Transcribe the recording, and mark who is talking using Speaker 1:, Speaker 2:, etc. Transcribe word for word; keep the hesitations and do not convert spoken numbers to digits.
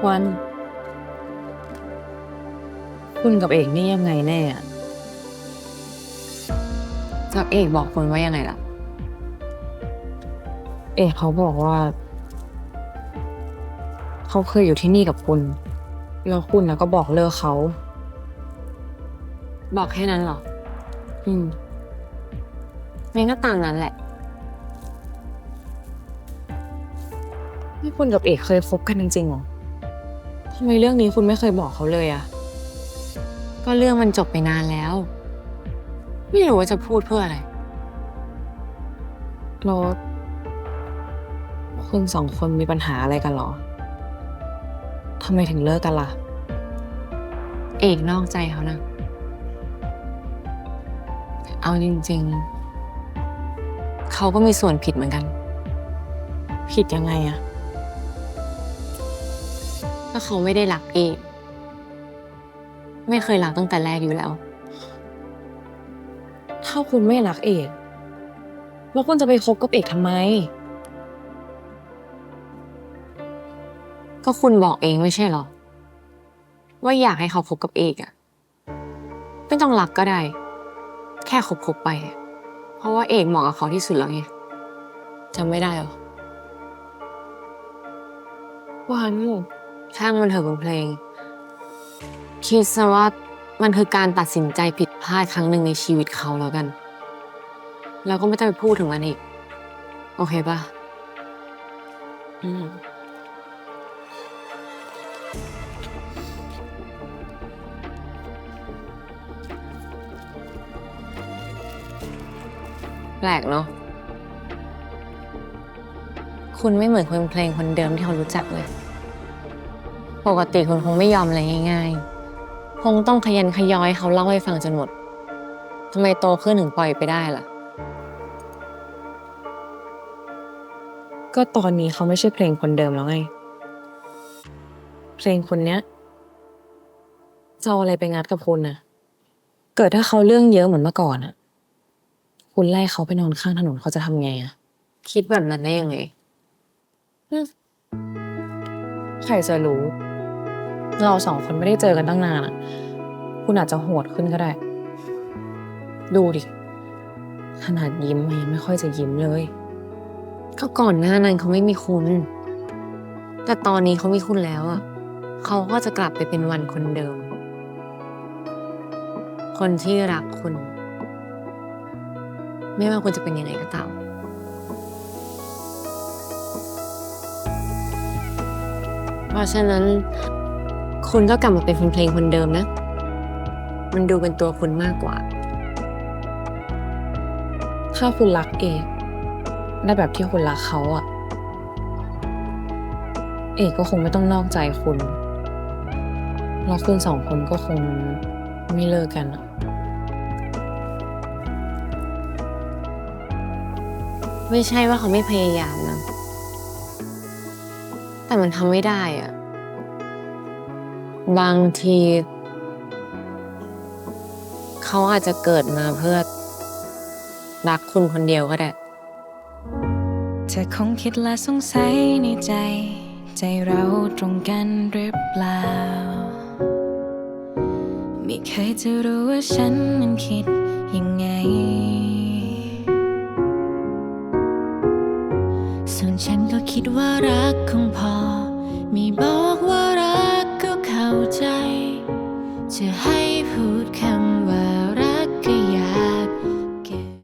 Speaker 1: วันคุณกับเอกนี่ยังไงแน่อะ
Speaker 2: จากเอกบอกคุณว่ายังไงล่ะ
Speaker 1: เอกเขาบอกว่า เขาเคยอยู่ที่นี่กับคุณ แล้วคุณนะก็บอกเลิกเขา
Speaker 2: บอกแค่นั้นเหรอ
Speaker 1: อืม
Speaker 2: งั้นก็ตามนั้นแหละ
Speaker 1: นี่คุณกับเอกเคยคบกันจริงๆเหรอทำไมเรื่องนี้คุณไม่เคยบอกเขาเลยอะ
Speaker 2: ก็เรื่องมันจบไปนานแล้ว ไม่รู้ว่าจะพูดเพื่ออะไร
Speaker 1: แล้วคุณสองคนมีปัญหาอะไรกันเหรอทำไมถึงเลิกกันล่ะ
Speaker 2: เอกนอกใจเขานะเอาจริงๆเขาก็มีส่วนผิดเหมือนกัน
Speaker 1: ผิดยังไงอะ
Speaker 2: ถ้าเขาไม่ได้รักเอกไม่เคยรักตั้งแต่แรกอยู่แล้ว
Speaker 1: ถ้าคุณไม่รักเอกแล้วคุณจะไปคบกับเอกทำไม
Speaker 2: ก็คุณบอกเองไม่ใช่เหรอว่าอยากให้เขาคบกับเอกอะไม่ต้องรักก็ได้ แค่คบๆไปอะเพราะว่าเอกเหมาะกับเขาที่สุดแล้วไงจำไม่ได้เหรอ
Speaker 1: วัน
Speaker 2: ช่างมันเถอะคุณเพลงคิดซะว่ามันคือการตัดสินใจผิดพลาดครั้งหนึ่งในชีวิตเขาแล้วกันเราก็ไม่ต้องไปพูดถึงมันอีกโอเคปะ
Speaker 1: อืม
Speaker 2: แปลกเนาะคุณไม่เหมือนคนเพลงคนเดิมที่เขารู้จักเลยปกติคุณคงไม่ยอมอะไรง่ายๆคงต้องขยันขย้อยเขาเล่าให้ฟังจนหมดทำไมโตขึ้นถึงปล่อยไปได้ล่ะ
Speaker 1: ก็ตอนนี้เขาไม่ใช่เพลงคนเดิมแล้วไงเพลงคนเนี้ยจะเอาอะไรไปงัดกับคุณน่ะเกิดถ้าเขาเรื่องเยอะเหมือนเมื่อก่อนอะคุณไล่เขาไปนอนข้างถนนเขาจะทำไงอะ
Speaker 2: คิดแบบนั้นได้ยังไง
Speaker 1: อืมใครจะรู้เราสองคนไม่ได้เจอกันตั้งนานอะคุณอาจจะโหดขึ้นก็ได้ ดูดิขนาดยิ้มมันยังไม่ค่อยจะยิ้มเลย
Speaker 2: ก็ก่อนหน้านั้นเขาไม่มีคุณแต่ตอนนี้เขามีคุณแล้วอ่ะเขาก็จะกลับไปเป็นวันคนเดิมคนที่รักคุณไม่ว่าคุณจะเป็นยังไงก็ตามเพราะฉะนั้นคุณก็กลับมาเป็นเพลงคนเดิมนะมันดูเป็นตัวคุณมากกว่า
Speaker 1: ถ้าคุณรักเอกได้แบบที่คุณรักเขาอะเอกก็คงไม่ต้องนอกใจคุณแล้วคุณสองคนก็คงไม่เลิกกันอะ
Speaker 2: ไม่ใช่ว่าเขาไม่พยายามนะแต่มันทำไม่ได้อ่ะบางทีเขาอาจจะเกิดมาเพื่อรักคุณคนเดียวก็ได้
Speaker 3: เธอคงคิดและสงสัยในใจ ใจเราตรงกันหรือเปล่าไม่เคยจะรู้ว่าฉันนั้นคิดยังไงส่วนฉันก็คิดว่ารักคงพอมีบอกว่ารักก็เข้าใจจะให้พูดค